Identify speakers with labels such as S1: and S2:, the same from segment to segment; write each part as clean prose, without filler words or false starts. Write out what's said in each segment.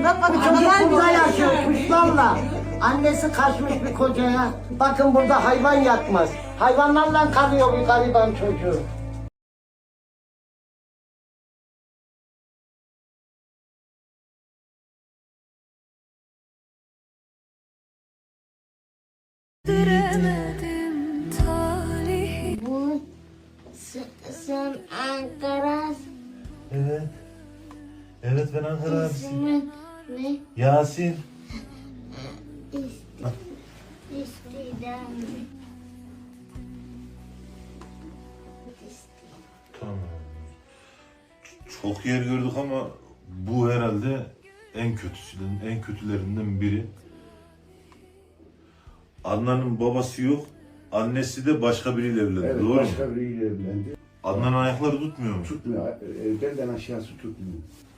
S1: Bak bak
S2: Çocuk burada yaşıyor kuşlarla. Annesi kaçmış bir kocaya. Bakın burada hayvan yatmaz. Hayvanlarla kalıyor bir gariban çocuğu.
S3: Diremedim talihi.
S4: Bu sen Ankara
S5: Evet. Evet ben Ankara abisiyim.
S4: ismin ne?
S5: Yasin.
S4: İstidam.
S5: Tamam. Çok yer gördük ama bu herhalde en kötülerinden biri. Adnan'ın babası yok. Annesi de başka biriyle evlendi.
S6: Evet,
S5: Doğru mu?
S6: başka biriyle evlendi.
S5: Adnan'ın ayakları tutmuyor mu?
S6: Tutmuyor, belden aşağısı tutmuyor.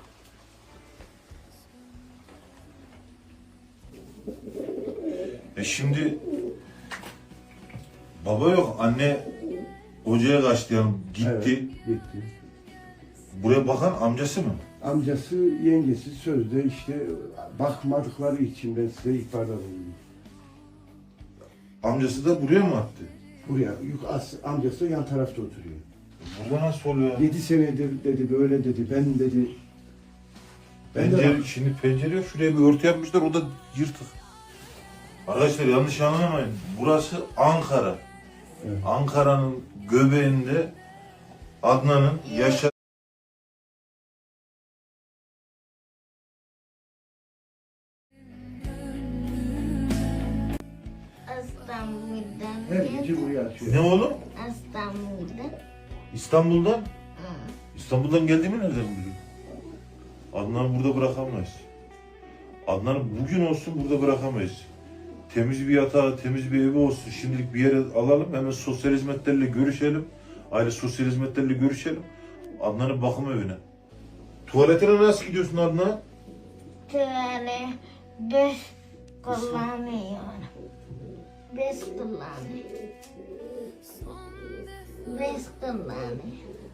S5: Şimdi baba yok. Anne hocaya kaçtı yani gitti.
S6: Evet, gitti.
S5: Buraya bakan amcası mı?
S6: Amcası, yengesi sözde işte bakmadıkları için ben size ihbarda bulundum.
S5: Amcası da buraya mı attı?
S6: Buraya, amcası yan tarafta oturuyor.
S5: Burada nasıl oluyor?
S6: 7 senedir dedi, böyle dedi, ben dedi. Ben de
S5: Pencere, şimdi pencere yok. Şuraya bir örtü yapmışlar. O da yırtık. Arkadaşlar yanlış anlamayın. Burası Ankara.
S6: Evet.
S5: Ankara'nın göbeğinde Adnan'ın yaşa...
S4: İstanbul'dan
S6: her gece buraya açıyor.
S5: Ne oğlum?
S4: İstanbul'dan.
S5: İstanbul'dan? İstanbul'dan geldiğimi nereden biliyor? Adnan'ı burada bırakamayız. Adnan'ı bugün olsun burada bırakamayız. Temiz bir yatağı, temiz bir evi olsun. Şimdilik bir yere alalım. Hemen sosyal hizmetlerle görüşelim. Aile sosyal hizmetlerle görüşelim. Adnan'ın bakım evine. Tuvaletine nasıl gidiyorsun Adnan?
S4: Şöyle bez kullanıyorum. Bez kullanıyorum. Bez kullanıyorum.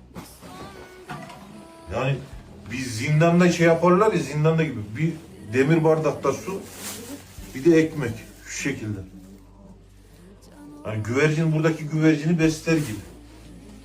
S5: Yani bir zindanda şey yaparlar ya, zindanda gibi. Bir demir bardakta su, bir de ekmek. Şu şekilde. Yani güvercin buradaki güvercini besler gibi.